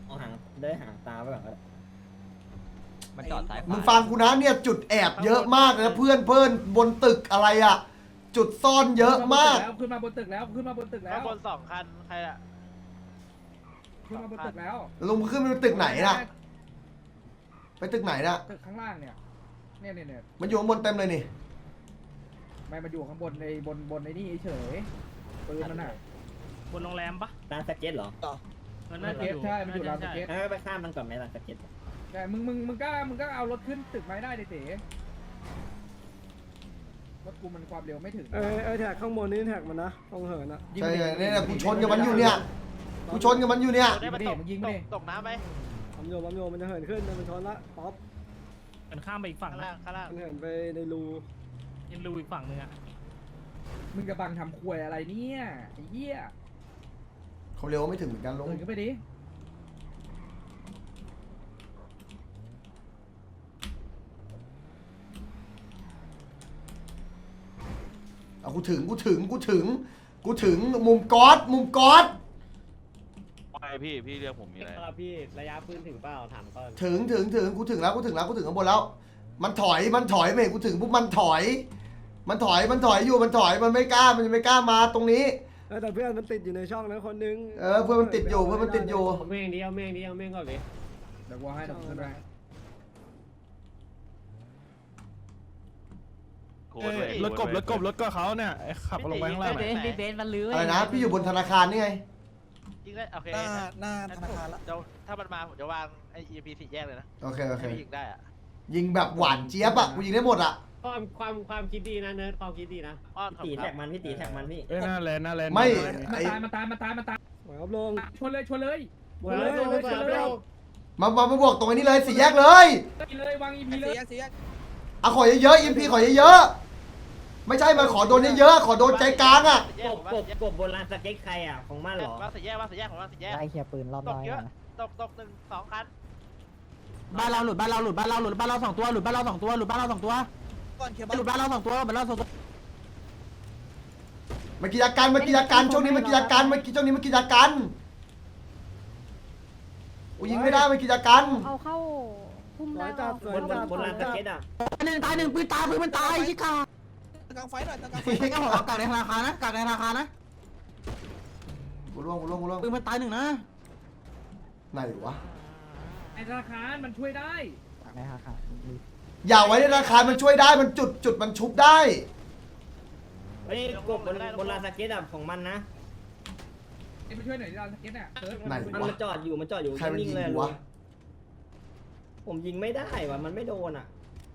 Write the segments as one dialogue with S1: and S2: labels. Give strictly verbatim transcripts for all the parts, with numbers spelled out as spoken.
S1: เอาหางได้หางตาไปก่อนก็ได้
S2: มันจอดซ้ายขวา
S3: มึงฟังกูนะเนี่ยจุดแอบเยอะมากนะเพื่อนเพื่อนบนตึกอะไรอ่ะจุดซ่อนเยอะมาก
S4: ขึ้นมาบนตึกแล้วขึ้นมาบนตึกแล้ว
S5: ข้างบนสองคันใครอะ
S4: ขึ้นมาบนตึกแล้ว
S3: ลุงขึ้นไปตึกไหนน่ะไปตึกไหนน่ะ
S4: ตึกข้างล่างเนี่ยเนี่ยเนี่ยเนี่ย
S3: มันอยู่ข้างบนเต็มเลยนี่
S4: ไม่มาอยู่ข้างบนในบนบนในนี่เฉยปืนมันน่ะ
S6: บนโรงแรมปะ
S1: ร้านสเก็ตเหรอ
S6: มัน
S4: ส
S6: น่าจะ
S4: เก็
S6: อ
S4: ต
S6: ยู่
S4: ใช่มันอยู่ร้านสเก็ต
S1: งั้นไปข้ามมันก่อนไหมร้านสเก็ต
S4: ใช่มึงมึงมึงก็มึงก็เอารถขึ้นตึกไม้ได้เต๋รถกูมันความเร็วไม่ถึง
S7: เออเออแท็กข้างบนนี่แท็กมันนะตรงเหินอะ
S3: ใช่เนี่ยกูชนกับมันอยู่เนี่ยกูชนกับมันอยู่เนี่ย
S5: ได้มาตกตกตกน้ำไหม
S7: ปั๊มโยปั๊มโยมันจะเหินขึ้นมันชนละป๊อป
S6: มันข้ามไปอีกฝั่ง
S5: ข้าง
S6: นะ
S5: ล่างข้างล่าง
S7: มันเหินไปในรู
S6: ยังรูอีกฝั่งนึงอ่ะ
S4: มึงกระบังทำควยอะไรเนี่ยไอ้เหี้ย
S3: เขาเร็วไม่ถึงเหมือนกันลุง
S4: เดินขึ้นไปดิ
S3: เอากูถึงกูถึงกูถึงกูถึงมุมก๊อตมุมก๊อต
S8: ไปพี่พี่เรียกผมมีอะไร
S2: ครับพี่ระยะปืนถึงเปล่าถามก่อน
S3: ถึงถึงถึงกูถึงแล้วกูถึงแล้วกูถึงข้างบนแล้ว มันถอยมันถอยไม่เห็นกูถึงปุ๊บมันถอย มันถอยมันถอยอยู่มันถอยมันไม่กล้ามันไม่กล้ามาตรงนี้
S7: เออแต่เพื่อนมันติดอยู่ในช่องนั้นคนนึง
S3: เออเพื่อนมันติดอยู่เพื่อนมันติดอยู่
S2: เอาเม่งดิเอาเม่งดิเอาเม่งก่อนเลย
S4: เดี๋ยวกูให้เดี๋ยวกูขึ้นไป
S8: โคตรเลย
S6: รถกบรถกบรถก็เขาเนี่ยขับลงไปข้างล่าง
S5: เบนซ์เบนซ์มันลื้อ
S3: อะไรนะพี่อยู่บนธนาคารนี่ไง
S5: ยิงได้โอเค
S9: หน้าหน้าธนาคารละ
S5: เดี๋ยวถ้ามันมาผมจะวางไอ้ อี พี สี่แยกเลยนะ
S3: โอเคโอเค
S5: ให้ยิงได้อะ
S3: ยิงแบบหวานเจี๊ยบอะกูยิงได้หมดอะ
S2: ความความความคิดดีนะเนิร์ดความคิดดีนะ
S5: อ้อนขอบ
S1: ตี
S5: คุณค
S1: แท็
S5: รับ
S1: กมันพี่ตีแท็กมันพี่
S6: เอ้ยหน้าแลนหน้าแลน
S3: ไม่
S4: มัน
S3: ไอ้
S4: ตายมันตายมันตายมันตาย
S7: หวยอัพลง
S4: ชนเลยชนเลย
S7: หวยเลยหวยชนเลย
S3: มามามาบวกตรงนี้เลยสี่แยกเลย
S4: เลยวางอีพี
S9: ไอ้
S4: เล
S9: เสี
S4: ย
S9: ยเสีย
S3: เอาขอเยอะๆอิมพีขอเยอะๆไม่ใช่มาขอโดนเยอะๆขอโดนใจกลางอะ
S5: สี่แย
S1: ก
S5: ก
S1: บ
S5: ผม
S1: กบกบบนร้านสเก็ตใครอ่ะของมันเหรอ
S5: วางสี่แยกวางสี่แยกผมวางสี่แยก
S9: ไล่เคลียร์ปืนรอบ
S5: ต
S9: น้
S5: ก
S9: อย
S5: เยอะ
S9: นะ
S5: ตกตกหนึ่งสองคัน
S9: บ้านเราหลุดบ้านเราหลุดบ้านเราหลุดบ้านเราสองตัวหลุดบ้านเราสองตัวหลุดบ้านเราสองตัวก่อนเคลียร์บ้านหลุดบ้านเราสองตัวบ้านเราสองตัว
S3: มันกิจการมันกิจการช่วงนี้มันกิจการมันกิช่วงนี้มันกิจการกูยิงไม่ได้มันกิจการ
S10: เอาเข้าพุ่ม
S7: สว
S10: ได้
S7: ยจัดสว
S1: บ
S7: ย
S1: นบ
S7: จั
S1: น
S7: ด
S1: บนร้านสเก็ตอ่ะ
S9: หนึ่งตายหนึ่งปืนตายปืนมันตายชิคาตะกางไฟหน่อยตะกางไฟไม่ก็หอกากในธนาคารนะกากในธนาคารนะ
S3: กูร่วงกูร่วงกูร่วง
S9: ปืนมันตายหนึ่งนะ
S3: ไหนวะ
S4: ไอ้ธนาคารมันช่วยได้
S9: กากในธนาคาร
S3: อย่าไว้ในธนาคารมันช่วยได้มันจุดจุดมันชุบได้
S1: เฮ้ยกบบนบนร้านสเก็ตอ่ะของมันนะ
S4: ไอ้มาช่วยหน่อยดิเราสเก็ตเนี่ยเออ
S3: ไหน
S1: มัน
S3: วะ
S1: มาจอดอยู่มันจอดอยู่
S3: ใครมันยิ
S1: นิ่
S3: ง
S1: งๆเลย
S3: กู
S1: ลุ
S3: วะ
S1: งผมยิงไม่ได้ว่ะมันไม่โดนอ่ะ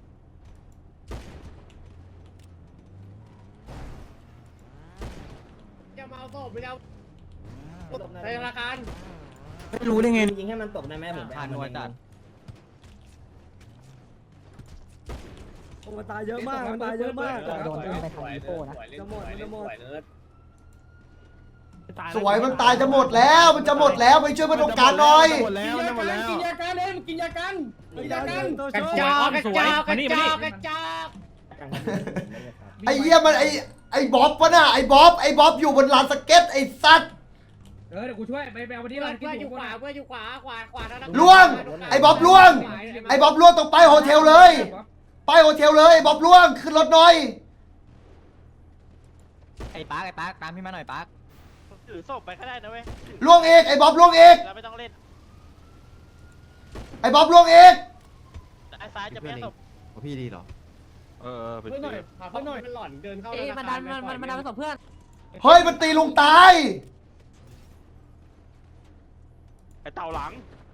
S2: จะมาเอาศพไปแล้วในธนาคาร
S9: ไม่รู้ได้ไง
S1: ยิงให้มันตกได้ไหมผมไปเอามันเอง
S7: โอ้มันตายเยอะมากมันตายเยอะมาก
S9: โดนไปทางอีโก้นะ
S7: จะหมดมันจะหมด
S3: สวยมันตายจะหมดแล้วมันจะหมดแล้วไปช่วยมันตรงกลางหน่อย
S6: หมดแล้วหมดแล้ว
S4: กินยากันเลยกินยากันกินยากัน
S7: ตัว
S6: กระ
S7: โช
S6: จอก
S7: ว์
S6: กระจอกกระจอกกระจอก
S3: ไอ้เหี้ยมันไอ้ไอ้บ๊อบปะน่ะไอ้บ๊อบไอ้บ๊อบอยู่บนลานสเก็ตไอ้สัตว์
S4: เออเดี๋ยวกูช่วยไปไปเอาวันนี้
S2: เพื่อ
S4: เรา
S2: น
S4: กิน
S2: เพื่อนอยู่
S4: คน
S2: ขวาเพื่อนอยู่ขวาขวาขวาธนาคาร
S3: ล่วงไอ้บ๊อบล่วงไอ้บ๊อบล่วงตรงไปโฮเทลเลย ไปโฮเทลเลยไอ้บ๊อบล่วงขึ้นรถหน่อย
S9: ไอ้ปาร์คไอ้ปาร์คตามพี่มาหน่อยปาร์ค
S5: ผมถือศพไปก็ได้นะเว้ย
S3: ล่วงเอกไอ้บ๊อบล่วงเอก
S5: เราไม่ต้องเล่น
S3: ไอ้บ๊อบล่วงเอก
S5: ไอ้ซ้ายจะไม่ให้ศพ
S9: พี่ดีเหรอ
S8: เออเออเป็น
S2: เพื่อนหน่อย
S8: ตี
S2: เพื่อนหน่อยมันหล่อนเดินเข้าธนาคาร
S10: มันดันมันมันมันดันไปกับเพื่อน
S3: เฮ้ยมันตีลุงตาย
S8: ไอเต่าหลัง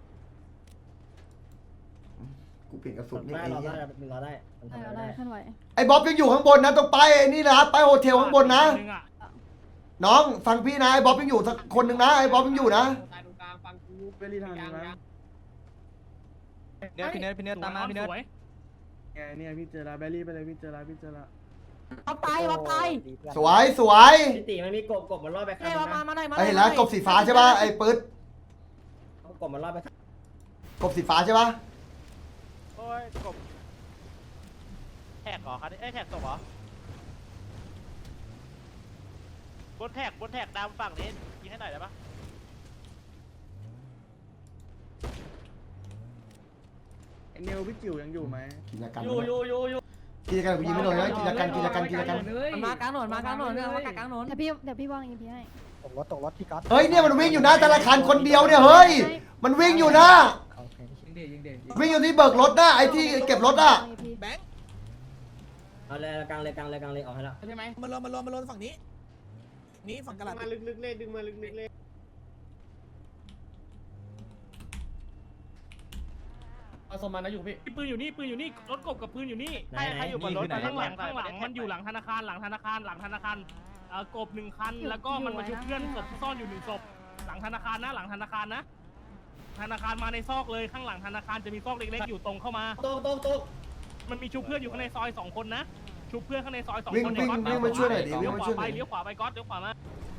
S3: กูเปลี่ยนกระสุนนี่
S1: ได้
S3: ไอ้
S1: รอ
S3: เหี้
S1: ได้
S3: ย
S1: รอได้มัน
S10: ได้
S1: ทำ
S10: ได้
S1: ได้
S10: ขึ้นไหว
S3: ไอ้บ๊อบยังอยู่ข้างบนนะต้องไปไอ้นี่นะไปโฮเทลข้างบนนะ น้องฟังพี่นะไอ้บ๊อบยังอยู่สักคนหนึ่งนะไอ้บ๊อบยังอยู่นะ
S2: ตายตรงกลางฟังกู
S7: เบลลี่ทางนี้นะ
S9: เนื้อพี่เนื้อพี่เนื้อตามมาพี่เนื้อ
S7: ไงเนี่ยพี่เจอละเบลลี่ไปเลยพี่เจอละพี่เจอละ
S10: เอาไปเอาไป
S3: สวยสวย
S1: พี่ตีมันมีกบกบมันรอดไปข้าง
S10: เอ้ย
S1: นึ
S10: มาง มา
S1: นะ
S10: มาหน่อยมาห
S3: ไอ้
S10: น่อย
S3: เห็นแล้วกบสีฟ้าใช่ป่ะไอ้ปื๊ด
S1: เอากบมันรอดไปข้าง
S3: กบสีฟ้าใช่ป่ะ
S5: โอ้ยกบแท็กเหรอคันนี้เอ้ยแท็กตกเหรอ บนแท็กบนแท็กดำฝั่งนี้ยิงให้หน่อยได้ปะ
S7: เนวพี่จิ๋วยังอยู่ไหม
S3: กิจการ
S2: อยู่อยู่อยู่อยู่
S3: กิจการกูยิงไม่โดนนะกิจการกิจการกิจการ
S10: มันมากลางถนนมากลางถนนเนี่ยมากลางถนน
S9: เดี๋ยวพี่เดี๋ยวพี่วางอีพีให้
S7: ตกรถตกรถพี่ก๊อต
S3: เฮ้ยเนี่ยมันวิ่งอยู่หน้าธนาคารคนเดียวเนี่ยเฮ้ยมันวิ่งอยู่นะ
S4: ยิงเดยิงเดยิง
S3: วิ่งอยู่ที่เบิกรถนะไอ้ที่เก็บรถอะ
S1: แบงค์เอาเลยกลางเลยกลางเลยกลางเลยออกให้แล้ว
S2: ใช่ไหม
S7: มันรวมมันรวมมันรวมฝั่งนี้นี่ฝั่งกระดาษ
S2: มาลึกๆเลยดึงมาลึกๆเลย เอาสมมานะอยู่พี่
S6: ปืนอยู่นี่ปืนอยู่นี่รถกบกับปืนอยู่นี่
S1: ไหน
S5: ใคร
S1: ไหน
S5: ใครอยู่บนรถ
S6: ข้างหลังข้างหลังมันอยู่หลังธนาคารหลังธนาคารหลังธนาคารเอ่อกบหนึ่งคันแล้วก็มันมาชุบเพื่อนศพซ่อนอยู่หนึ่งศพหลังธนาคารนะหลังธนาคารนะธนาคารมาในซอกเลยข้างหลังธนาคารจะมีซอกเล็กๆอยู่ตรงเข้ามา
S1: โต๊ะโต๊ะโต๊ะ
S6: มันมีชุบเพื่อนอยู่ข้างในซอยสองคนนะชุบเพื่อนข้างในซอยสอง
S3: วิ่ง
S6: คน
S3: วิ่งวิ่งมาช่วยหน่อยดิวิ่
S6: เลี้
S3: ง
S6: ยว
S3: มา
S6: ข
S3: ช่ว
S6: วาย
S3: หน่อย
S6: ไปเลี้ยวขวาไปก๊อตเลี้ยวขวามา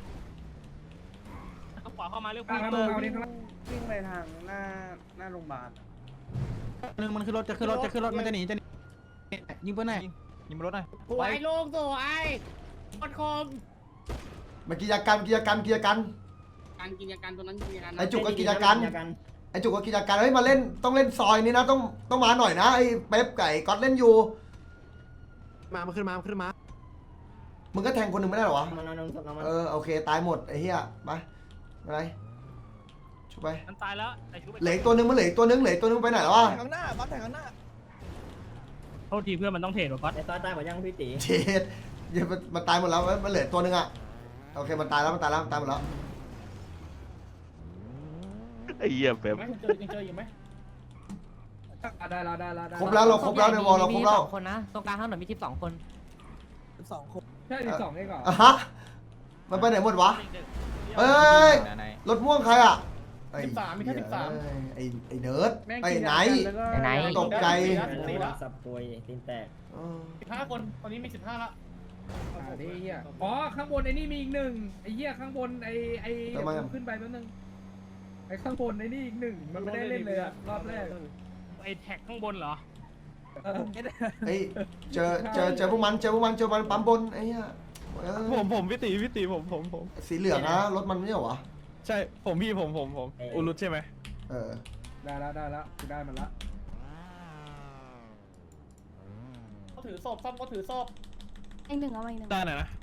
S6: เลี้ยวขวาเข้ามาเลี้ยวข
S4: กลาว
S6: าง
S4: ถนนเอาดิข้างล่าง
S7: วิ่งไปทางหน้าหน้าโรงพยาบาล
S9: หนึ่งมันขึ้นรถจะขึ้นรถจะขึ้นรถมันจะหนีจะหนียิงปืนไหน
S6: ยิงรถหน่อย
S2: สวยลงสวยคนคม
S3: มากิจการกิจการกิจการ
S2: การกิจการตัวนั้นกิจการ
S3: ไอ้จุกก็กิจการไอ้จุกก็กิจการเฮ้ยมาเล่นต้องเล่นซอยนี้นะต้องต้องมาหน่อยนะไอ้เป๊ปไก่ก๊อตเล่นอยู่
S9: มามันขึ้นมามันขึ้นมา
S3: มึงก็แทงคนหนึ่งไม่ได้หรอวะ
S1: มันนอนนอนนอน
S3: เออโอเคตายหมดไอ้เหี้ยไปอะไรชุบไป
S6: มันตายแล้วแต่ชุบ
S3: เหลืออีกตัวหนึงมันเหลืออีกตัวหนึงเหลืออีกตัวหนึงไปไหนแล้ววะ
S7: ข้างหน้าบัฟแทงข้างหน้า
S6: โทษทีเพื่อนมันต้องเทรดว่ะก๊อต
S1: ไอ้ซอยตายหมดยังพี่ตี
S3: เจ็ดเดี๋ยวมันมันตายหมดแล้วมันเหลือตัวหนึงอะโอเคมันตายแล้วมันตายแล้วมันตายหมดแล้ว
S8: ไอ้เหี้ยแบบ
S2: ไหมเจอเจออยู่ไหม
S4: ได้แล้วได้แล้วได้
S3: ครบแล้วเราครบแล้วในวอลเราครบแล้ว
S10: มีสองคนนะตรงกลางถนนมีทิปสองคน
S7: สองคน
S4: ใช่สิบสองเองเหรอ
S3: อ่ะฮะมันไปไหนหมดวะเอ้ยรถม่วงใครอะไอ้
S2: สิบสามมีแค่สิบสาม
S3: ไอ้ไอ้เนิร์ดไปไหน
S10: ไหน
S3: ตกใจ
S2: สี่ละ
S1: สับปุยตีนแตก
S3: เออ
S2: สิบห้าคนตอนนี้มีสิบห้าละ
S4: อ่าดิเหี้ยอ๋อข้างบนไอ้นี่มีอีกหนึ่งไอ้เหี้ยข้างบนไอ้ไอ้เดี๋ยวกูขึ้นไปแป๊บนึงไอ้ข้างบนไอ้นี่อีกหนึ่งมันไม่ได้เล่นเลยอะรอบแรก
S6: ไอ้แท็กข้างบนเหรอ
S4: เออ
S3: ไอ้เจอเจอเจอพวกมันเจอพวกมันเจอมันปั๊มบนไอ้เหี้ยเออ
S6: ผมผมพี่ตีพี่ตีผมผมผม
S3: สีเหลืองนะรถมันไม่ใช่เหรอวะ
S6: ใช่ผมพี่ผมผมผมอุลุตใช่ไหม
S3: เออ
S4: ได้แล้วได้แล้วกูได้มันละ
S2: เขาถือศพซ่อมก็ถือศพ
S9: อีกหนึ่งเอาอีกหนึ่ง
S6: ได้หน่อยนะ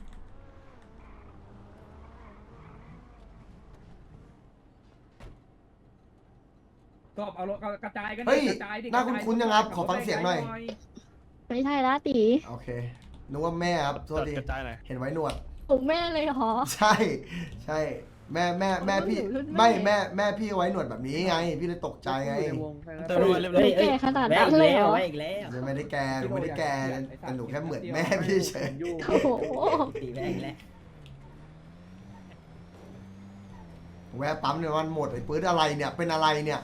S4: ตอบเอารถกระจายกัน
S3: เฮ้ย
S4: กระจายดิ
S3: น่าคุ้นๆยังครับขอฟังเสียงหน่อย
S9: ไม่ใช่ละตี
S3: โอเคนึกว่าแม่ครับโทษที
S6: กระจายหน่อย
S3: เห็นไว้หนวด
S9: ผมแม่เลยเหรอ
S3: ใช่ใช่แม่แม่แม่พี่
S9: รุ่นแม่
S3: ไม่แม่แม่พี่ไว้หนวดแบบนี้ไง พี่เลยตกใจไง
S6: เติมน้ำมันเรียบร้อย
S1: เฮ้ยเฮ้ย
S9: แก่ขนาด
S1: แวะ
S9: นั้น
S1: อีก
S9: เลย
S1: แล้
S9: เหร
S1: ว
S9: อ
S1: แวะอีกแล้ว
S3: จะไม่ได้แกหนูไม่ได้แกแต่หนูแค่เหมือนแม่พี่เฉย
S9: โอ้โห
S1: ตีแวะอีกแล้ว
S3: แวะปั๊มเนี่ยมันหมดไอ้ปื้ดอะไรเนี่ยเป็นอะไรเนี่ย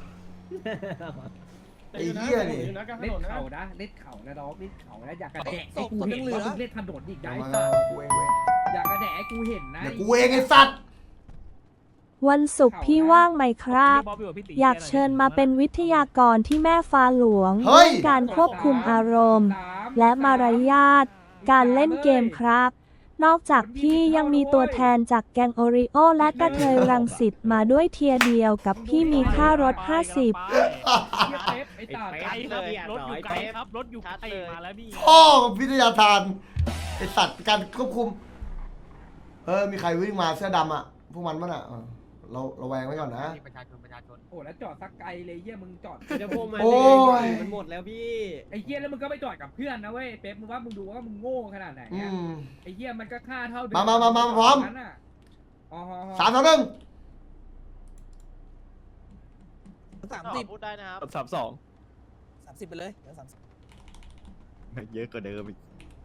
S3: ไอ้เหี้ยนี่
S2: อยู่นะกลางถ
S4: เล่น
S2: นนนะ
S4: เข่านะเล่นเข่านะน้องเล่นเข่านะอยากกระแดะ
S7: ศ
S4: ให้
S7: พ
S4: กู
S7: ศพ
S4: เห็
S7: ยั
S4: น
S7: งเหลือ
S4: ว่ามึงเล่นถนนอีกได้
S3: เดี๋ยวมา
S4: สัตว์
S3: กูเองเว้ย
S4: อยากกระแดะให้กูเห็นนะ
S3: เดี๋ยวกูเองไอ้สัตว์
S11: วันศุกร์พี่ว่างไหมครับ
S6: พี่บ๊อบพี่พี่ตี
S11: อยากเชิญมาเป็นวิทยากรที่แม่ฟ้าหลวง
S3: เฮ้ย
S11: เรื่องการควบคุมอารมณ์
S4: สาม
S11: และมารยาทการเล่นเกมครับ นอกจากพี่ยังมีตัวแทนจากแกงโอริโอและกระเทยรังสิตมาด้วยเทียร์เดียวกับพี่มีค่ารถห้าสิบ
S4: เหี้ยเป๊ปไอ้ตา
S6: ไกลครับรถอยู่ไกลครับรถอยู่ไกลมาแล้วพี่
S3: พ่อวิทยาทานไอ้สัตว์การควบคุมเออมีใครวิ่งมาเสื้อดำอ่ะพวกมันมั้งอ่ะเออเราเราแวงไว้ก่อนนะ
S10: ประชาชนประชาชน
S4: โอ้แล้วจอดสักไกลเลยเหี้ยมึงจอด
S1: จะพวกมัน
S3: โอ้ย
S1: มันหมดแล้วพี่
S4: ไอ้เหี้ยแล้วมึงก็ไปจอดกับเพื่อนนะเว้ยเป๊ปมึงว่ามึงดูว่ามึงโง่ขนาดไหน
S3: อื
S4: อะ
S3: ม
S4: ไอ้เหี้ยมันก็ค่าเท่าเดิ
S3: มามามามาพร้อม
S4: นั้นน่ะอ๋ออ๋ออ๋อ
S3: สามสองหนึ่ง
S7: สามสิบ
S5: พูดได้นะครับ
S6: สามสอง
S7: สามสิบไปเลยเดี๋ยวสามสิบ
S8: เยอะกว่าเดิมอีก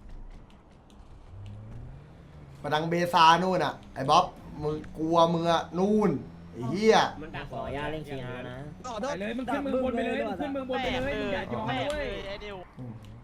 S3: มาดังเบซานู่นอ่ะไอ้บ๊อบมึงกลัวมึงอะนู่นไอ้เหี้ย
S1: มันขออนุญาตเล่นคีอาร์นะ
S7: ต่อโท
S4: ไป
S7: ษ
S4: เลยมึงขึ้นเมืองบนไปเลยมึงขึ้นเมืองบนไปเลยมึงอย่ายอม
S5: แม่
S4: นะ
S5: เล
S4: เว้ย
S5: ยไอ้เดียว
S3: อืม